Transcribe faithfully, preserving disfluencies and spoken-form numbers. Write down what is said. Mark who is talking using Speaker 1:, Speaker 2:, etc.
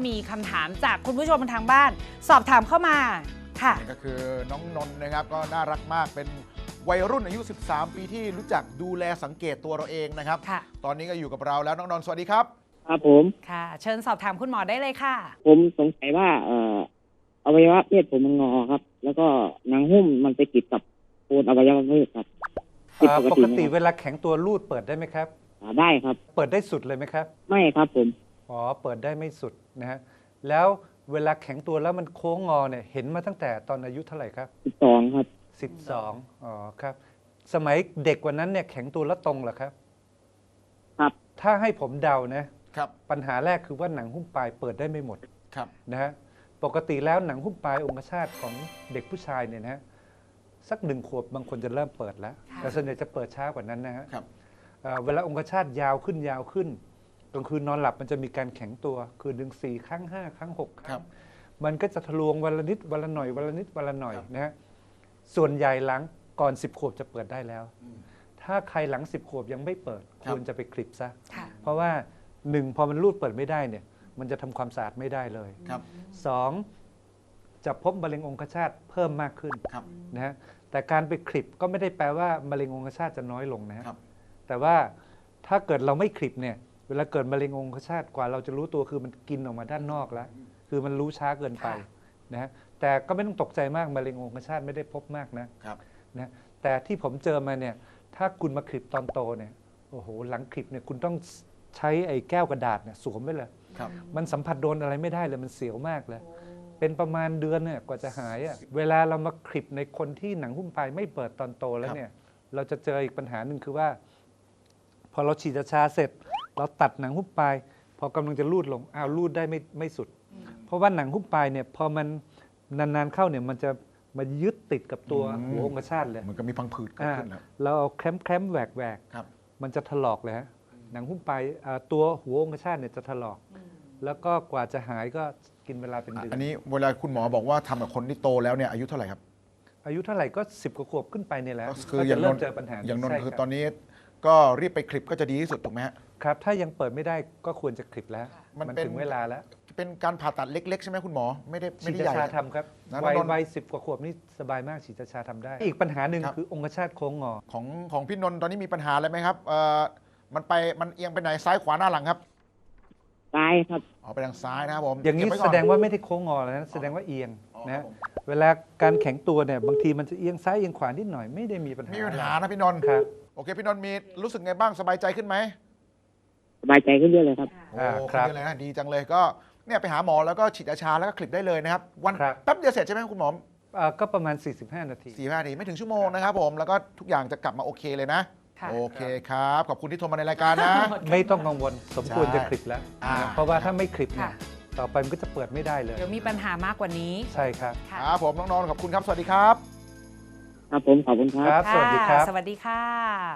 Speaker 1: มีคำถามจากคุณผู้ชมทางบ้าน สอบถามเข้ามาค่ะ
Speaker 2: นี่ก็คือน้องนนท์นะครับก็น่ารักมากเป็นวัยรุ่นอายุสิบสามปีที่รู้จักดูแลสังเกตตัวเราเองนะครับตอนนี้ก็อยู่กับเราแล้วน้องนนท์สวัสดีครับ
Speaker 3: ครับผม
Speaker 1: ค่ะเชิญสอบถามคุณหมอได้เลยค่ะ
Speaker 3: ผมสงสัยว่าเอ่ออวัยวะเพศผมมันงอครับแล้วก็หนังหุ้มมันไปติดกับโคนอวัยวะเพศครับ
Speaker 4: ปกติเวลาแข็งตัวรูดเปิดได้ไหมครับ
Speaker 3: ได้ครับ
Speaker 4: เปิดได้สุดเลยไหมครับ
Speaker 3: ไม่ครับผม
Speaker 4: อ๋อเปิดได้ไม่สุดนะฮะแล้วเวลาแข็งตัวแล้วมันโค้งงอเนี่ยเห็นมาตั้งแต่ตอนอายุเท่าไหร่ครับ
Speaker 3: สิบสองครับ
Speaker 4: สิบสองอ๋อครับสมัยเด็กกว่านั้นเนี่ยแข็งตัวแล้วตรงเหรอครับ
Speaker 3: ครับ
Speaker 4: ถ้าให้ผมเดานะครับปัญหาแรกคือว่าหนังหุ้มปลายเปิดได้ไม่หมด
Speaker 2: ครับ
Speaker 4: นะฮะปกติแล้วหนังหุ้มปลายองคชาตของเด็กผู้ชายเนี่ยนะสักหนึ่งขวบบางคนจะเริ่มเปิดแล้วแต่ส่วนใหญ่จะเปิดช้ากว่านั้นนะฮะเวลาองคชาตยาวขึ้นยาวขึ้นกลางคืนนอนหลับมันจะมีการแข็งตัวคืนหนึ่งสี่ครั้งห้าครั้งหกครั้งมันก็จะทะลวงวันละนิดวันละหน่อยวันละนิดวันละหน่อยนะฮะส่วนใหญ่หลังก่อนสิบขวบจะเปิดได้แล้วถ้าใครหลังสิบขวบยังไม่เปิดควรจะไปคลิปซะเพราะว่าหนึ่งพอมันรูดเปิดไม่ได้เนี่ยมันจะทำความสะอาดไม่ได้เลยสองจะพบมะเร็งองคชาตเพิ่มมากขึ้นนะฮะแต่การไปคลิปก็ไม่ได้แปลว่ามะเร็งองคชาตจะน้อยลงนะฮะแต่ว่าถ้าเกิดเราไม่คลิปเนี่ยเวลาเกิดมะเร็งองคชาตกว่าเราจะรู้ตัวคือมันกินออกมาด้านนอกแล้วคือมันรู้ช้าเกินไปนะฮะแต่ก็ไม่ต้องตกใจมากมะเร็งองคชาตไม่ได้พบมากนะนะแต่ที่ผมเจอมาเนี่ยถ้าคุณมาคลิปตอนโตเนี่ยโอ้โหหลังคลิปเนี่ยคุณต้องใช้ไอ้แก้วกระดาษเนี่ยสวมไว้เลยมันสัมผัสโดนอะไรไม่ได้เลยมันเสียวมากเลยเป็นประมาณเดือนเนี่ยกว่าจะหายอ่ะเวลาเรามาคลิปในคนที่หนังหุ้มปลายไม่เปิดตอนโตแล้วเนี่ยเราจะเจออีกปัญหาหนึ่งคือว่าพอเราฉีดยาเสร็จเราตัดหนังหุ้มปลายพอกำลังจะรูดลงอ้าวรูดได้ไม่ไม่สุดเพราะว่าหนังหุ้มปลายเนี่ยพอมันนานๆเข้าเนี่ยมันจะมายึดติดกับตัวหัวองคชาตเลย
Speaker 2: มันก็มีพังผืดเกิดขึ้นแล้ว
Speaker 4: เราเอาแคมแคมแหวกแหวกมันจะถลอกเลยฮะหนังหุ้มปลายตัวหัวองคชาตเนี่ยจะถลอกแล้วก็กว่าจะหายก็กินเวลาเป็นเดือน
Speaker 2: อันนี้เวลาคุณหมอบอกว่าทำกับคนที่โตแล้วเนี่ยอายุเท่าไหร่ครับ
Speaker 4: อายุเท่าไหร่ก็สิบกว่าขวบขึ้นไปเนี่ยแหละ
Speaker 2: คืออย่างนน
Speaker 4: เจอปัญหา
Speaker 2: อย่างนนคือตอนนี้ก็รีบไปคลิปก็จะดีที่สุดถูกไหม
Speaker 4: ครับถ้ายังเปิดไม่ได้ก็ควรจะคลิปแล้วมันถึงเวลาแล้ว
Speaker 2: เป็นการผ่าตัดเล็กๆใช่ไหมคุณหมอไม่ได้ไม่ได้ใหญ่
Speaker 4: ฉีดชาทำครับวัยวัยสิบกว่าขวบนี่สบายมากฉีดชาทำได้อีกปัญหาหนึ่งคือองคชาตโค้งงอ
Speaker 2: ของของพี่นนท์ตอนนี้มีปัญหาอะไรไหมครับเอ่อมันไปมันเอียงไปไหนซ้ายขวาหน้าหลังครับ
Speaker 3: ซ้ายครับ
Speaker 2: อ๋อไปทางซ้ายนะครับผม
Speaker 4: อย่างนี้แสดงว่าไม่ได้โค้งงอแล้วนะแสดงว่าเอียงนะเวลาการแข็งตัวเนี่ยบางทีมันจะเอียงซ้ายเอียงขวานิดหน่อยไม่ได้มีปัญหา
Speaker 2: มีปัญหานะพี่นนท์
Speaker 4: ครับ
Speaker 2: โอเคพี่นนท์มีรู้สึกไงบ้างสบายใจขึ้นไหม
Speaker 3: สบายใจขึ้นเยอะเลยครับ
Speaker 2: โอ้ครับเลยนะดีจังเลยก็เนี่ยไปหาหมอแล้วก็ฉีดยาชาแล้วก็คลิปได้เลยนะครับวันแป๊บเดียวเสร็จใช่ไหมคุณหมอ
Speaker 4: ก็ประมาณสี่สิบห้านาที
Speaker 2: สี่สิบห้านาทีไม่ถึงชั่วโมงนะครับผมแล้วก็ทุกอย่างจะกลับมาโอเคเลยนะโอเคครับขอบคุณที่โทรมาในรายการนะ
Speaker 4: ไม่ต้องกังวลสมควรจะคลิปแล้วเพราะว่าถ้าไม่คลิปเนี่ยต่อไปมันก็จะเปิดไม่ได้เลย
Speaker 1: เดี๋ยวมีปัญหามากกว่านี้
Speaker 4: ใช่ครับ
Speaker 2: ครับผมน้องนนท์ขอบคุณครับสวัสดีครับ
Speaker 3: ครับผมขอบคุณครับ
Speaker 4: สวัสดีครับ
Speaker 1: สวัสดีค่ะ